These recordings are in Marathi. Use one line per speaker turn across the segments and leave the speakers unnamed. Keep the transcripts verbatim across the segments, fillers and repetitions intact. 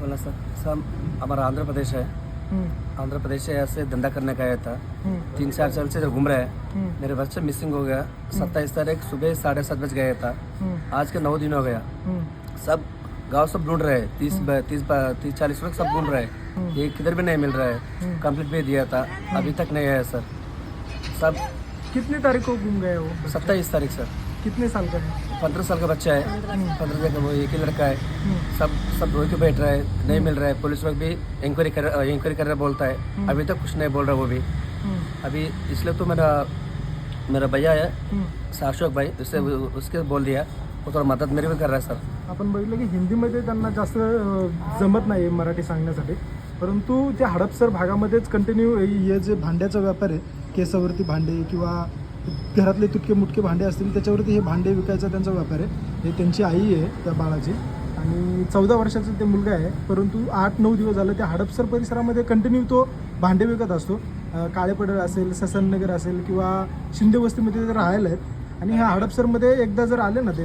बोलना सर सर हमारा आंध्र प्रदेश है। आंध्र प्रदेश से ऐसे धंधा करने का आया था। तीन चार साल से घूम रहा है। मेरे बच्चे मिसिंग हो गया। सत्ताईस तारीख सुबह साढ़े सात बज गया था। आज के नौ दिन हो गया। सब गांव सब ढूंढ रहे हैं। तीस तीस तीस चालीस लोग सब ढूंढ रहे हैं। ये किधर भी नहीं मिल रहा है। कंप्लीट भी दिया था, अभी तक नहीं आया सर। सब
कितनी तारीख को गुम गए वो?
सत्ताईस तारीख सर।
कितने साल का है?
पंद्रह साल का बच्चा है। पंद्रह साल का वो एक ही लड़का है। सब सब रो के बैठ रहा है, नहीं मिल रहा है। पुलिस लोग भी इंक्वायरी कर इंक्वायरी कर रहा बोलता है, अभी तक कुछ नहीं बोल रहा वो भी। अभी इसलिए तो मेरा मेरा भैया है अशोक भाई, उससे उसके बोल दिया, वो थोड़ा मदद मेरी भी कर रहा है सर।
आपण बघितलं की हिंदीमध्ये त्यांना जास्त अ, जमत नाही आहे मराठी सांगण्यासाठी, परंतु त्या हडपसर भागामध्येच कंटिन्यू हे जे भांड्याचा व्यापार आहे, केसावरती भांडे किंवा घरातले तुटके मुटके भांडे असतील त्याच्यावरती हे भांडे विकायचा त्यांचा व्यापार आहे। हे त्यांची आई आहे त्या बाळाची आणि चौदा वर्षाचा ते मुलगा आहे, परंतु आठ नऊ दिवस झालं त्या हडपसर परिसरामध्ये कंटिन्यू तो भांडे विकत असतो। काळेपडळ असेल, ससननगर असेल किंवा शिंदे वस्तीमध्ये ते राहायला आहेत आणि ह्या हडपसरमध्ये एकदा जर आले ना ते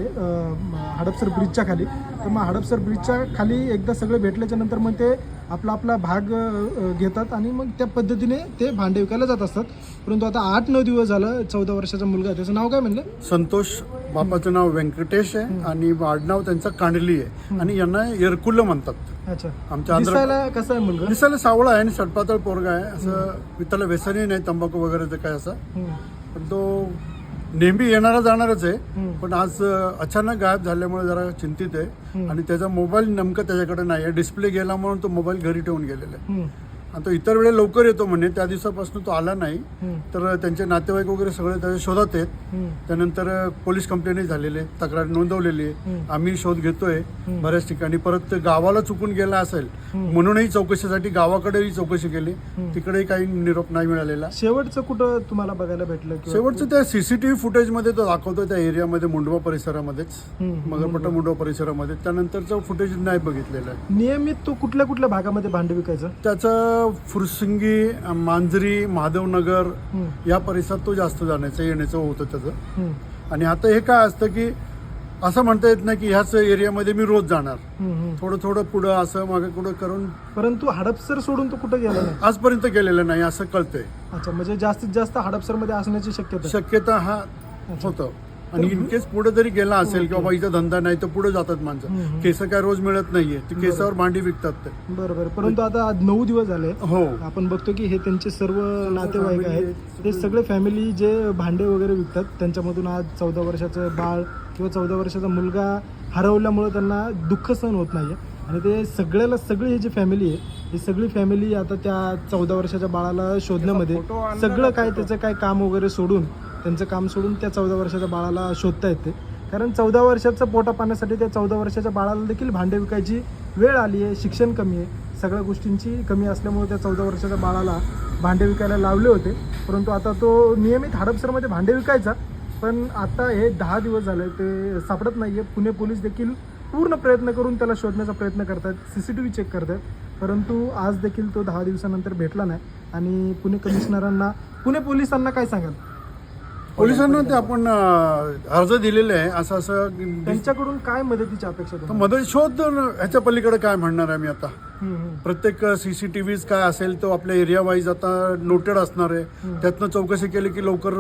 हडपसर ब्रिजच्या खाली, तर मग हडपसर ब्रिजच्या खाली एकदा सगळे भेटल्याच्या नंतर मग ते आपला आपला भाग घेतात आणि मग त्या पद्धतीने ते भांडे विकायला जात असतात। परंतु आता आठ नऊ दिवस झालं चौदा वर्षाचा मुलगा आहे, त्याचं नाव काय म्हणलं?
संतोष, बापाचं नाव व्यंकटेश आहे आणि आडनाव त्यांचं कांडली आहे आणि यांना येरकुल्ल म्हणतात।
अच्छा,
आमच्या आंध्र
दिसायला कसं आहे मुलगा?
दिसायला सावळा आहे आणि सडपातळ पोरगा आहे, असं त्याला व्यसनही नाही, तंबाखू वगैरे काय असं, पण तो नेहमी येणारा जाणारच आहे। पण आज अचानक गायब झाल्यामुळे जरा चिंतित आहे आणि त्याचा मोबाईल नेमकं त्याच्याकडे नाही आहे, डिस्प्ले गेला म्हणून तो मोबाईल घरी ठेवून गेलेला आहे आणि तो इतर वेळे लवकर येतो म्हणे, त्या दिवसापासून तो आला नाही। तर त्यांचे नातेवाईक वगैरे सगळे त्याच्या शोधात आहेत। त्यानंतर पोलीस कंप्लेंटही झालेली आहे, तक्रार नोंदवलेली आहे, आम्ही शोध घेतोय बऱ्याच ठिकाणी। परत गावाला चुकून गेला असेल म्हणूनही चौकशीसाठी गावाकडेही चौकशी केली, तिकडेही काही निरोप नाही मिळालेला।
शेवटचं कुठं तुम्हाला बघायला भेटलं?
शेवटचं त्या सीसीटीव्ही फुटेजमध्ये तो दाखवतोय त्या एरियामध्ये, मुंडवा परिसरामध्येच, मगरपट्टा मुंडवा परिसरामध्ये। त्यानंतरचं फुटेज नाही बघितलेलं आहे।
नियमित तो कुठल्या कुठल्या भागामध्ये भांडे विकायचं?
त्याचं फुरसिंगी, मांजरी, महादेवनगर या परिसरात तो जास्त जाण्याचं येण्याचं होतं त्याचं। आणि आता हे काय असतं की असं म्हणता येत नाही की ह्याच एरियामध्ये मी रोज जाणार, थोडं थोडं पुढं असं मागे पुढं करून।
परंतु हडपसर सोडून तो कुठं गेला नाही
आजपर्यंत गेलेलं नाही असं कळतंय।
अच्छा, म्हणजे जास्तीत जास्त हडपसर मध्ये असण्याची शक्यता
शक्यता हा होतं आणि इन केस पुढे जरी गेला असेल किंवा इथं धंदा नाही तर पुढे जातात माणसं। केस काय रोज मिळत नाहीये, ते केसावर भांडी विकतात ते।
बरोबर, परंतु आता नऊ दिवस झाले,
हो,
आपण बघतो की हे त्यांचे सर्व नातेवाईक आहेत, ते सगळे फॅमिली जे भांडे वगैरे विकतात, त्यांच्यामधून आज चौदा वर्षाचं बाळ किंवा चौदा वर्षाचा मुलगा हरवल्यामुळे त्यांना दुःख सहन होत नाहीये आणि ते सगळ्याला सगळी ही जी फॅमिली आहे, ही सगळी फॅमिली आता त्या चौदा वर्षाच्या बाळाला शोधण्यामध्ये सगळं काय त्याचं काय काम वगैरे सोडून, त्यांचं काम सोडून त्या चौदा वर्षाच्या बाळाला शोधता येते। कारण चौदा वर्षाचं पोटा पाण्यासाठी त्या चौदा वर्षाच्या बाळाला देखील भांडे विकायची वेळ आली आहे। शिक्षण कमी आहे, सगळ्या गोष्टींची कमी असल्यामुळे त्या चौदा वर्षाच्या बाळाला भांडे विकायला लावले होते, परंतु आता तो नियमित हडपसरमध्ये भांडे विकायचा, पण आता हे दहा दिवस झाले ते सापडत नाही आहे। पुणे पोलीस देखील पूर्ण प्रयत्न करून त्याला शोधण्याचा प्रयत्न करतात, C C T V check करतात, परंतु आज देखील तो दहा दिवसानंतर भेटला नाही। आणि पुणे कमिशनरांना, पुणे पोलिसांना काय सांगाल?
पोलिसांना ते आपण अर्ज दिलेले आहे, असं असं
त्यांच्याकडून काय मदतीची अपेक्षा तुम्हाला?
मदत शोध, ह्याच्या पलीकडे काय म्हणणार आहे मी आता? प्रत्येक सीसीटीव्ही काय असेल तो आपल्या एरिया वाईज आता नोटेड असणार आहे, त्यातनं चौकशी केली की लवकर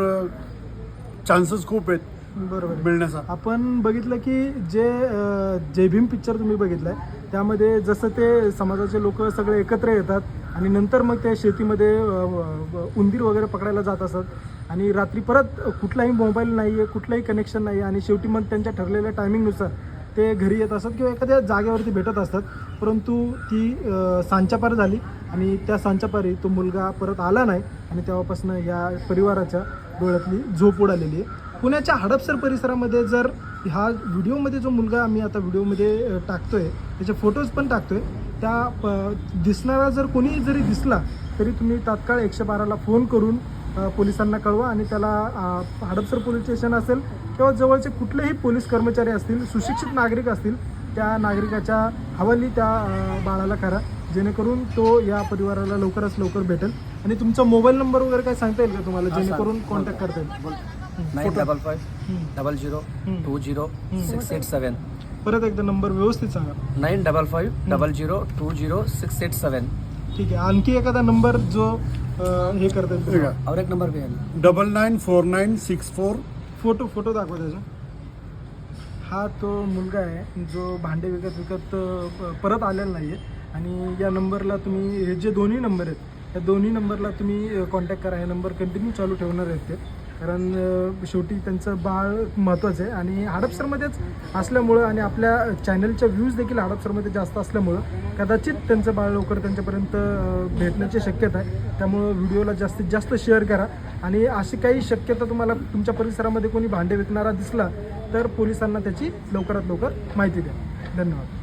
चान्सेस खूप आहेत
बरोबर
मिळण्याचा।
आपण बघितलं की जे जय भीम पिक्चर तुम्ही बघितलाय, त्यामध्ये जसं ते समाजाचे लोक सगळे एकत्र येतात आणि नंतर मग ते शेतीमध्ये उंदीर वगैरे पकडायला जात असतात आणि रात्री परत कुठलाही मोबाईल नाही आहे, कुठलाही कनेक्शन नाही आहे आणि शेवटी मग त्यांच्या ठरलेल्या टायमिंगनुसार ते घरी येत असतात किंवा एखाद्या जागेवरती भेटत असतात। परंतु ती सांच्यापार झाली आणि त्या सांच्यापारी तो मुलगा परत आला नाही आणि तेव्हापासून या परिवाराच्या डोळ्यातली झोप उडालेली आहे। पुण्याच्या हडपसर परिसरामध्ये जर हा व्हिडिओमध्ये जो मुलगा आम्ही आता व्हिडिओमध्ये टाकतोय, त्याचे फोटोज पण टाकतोय, त्या प दिसणारा जर कोणी जरी दिसला तरी तुम्ही तात्काळ एकशे बाराला फोन करून पोलिसांना कळवा आणि त्याला हडपसर पोलीस स्टेशन असेल किंवा जवळचे कुठलेही पोलीस कर्मचारी असतील, सुशिक्षित नागरिक असतील, त्या नागरिकाच्या हवाली त्या बाळाला करा, जेणेकरून तो या परिवाराला लवकरात लवकर भेटेल। आणि तुमचा मोबाईल नंबर वगैरे काय सांगता येईल का तुम्हाला, जेणेकरून कॉन्टॅक्ट करता येईल?
Nine double five double zero two zero six eight seven
परत एकदा नंबर व्यवस्थित सांगा.
Nine double five double zero two zero six eight seven.
ठीक आहे. आणखी एखादा नंबर जो अं, हे करता येईल
ठीक
तुम्हाला?
आहे.
और एक नंबर भी है ना.
Double nine four nine six four.
Photo photo दाखवा त्याचा. हा तो मुलगा आहे जो भांडे विकत विकत अ, परत आलेला नाही आहे. आणि या नंबरला तुम्ही, हे जे दोन्ही नंबर आहेत, या दोन्ही नंबरला तुम्ही कॉन्टॅक्ट करा. हे नंबर कंटिन्यू चालू ठेवणार आहेत ते, कारण अ, शेवटी त्यांचं बाळ महत्त्वाचं आहे. आणि हडपसरमध्येच असल्यामुळं आणि आपल्या चॅनलच्या व्ह्यूज देखील हडपसरमध्ये जास्त असल्यामुळं कदाचित त्यांचं बाळ लवकर त्यांच्यापर्यंत अ, भेटण्याची शक्यता आहे. त्यामुळं व्हिडिओला जास्तीत जास्त शेअर करा. आणि अशी काही शक्यता तुम्हाला तुमच्या परिसरामध्ये कोणी भांडे विकणारा दिसला तर पोलिसांना त्याची लवकरात लवकर माहिती द्या. धन्यवाद.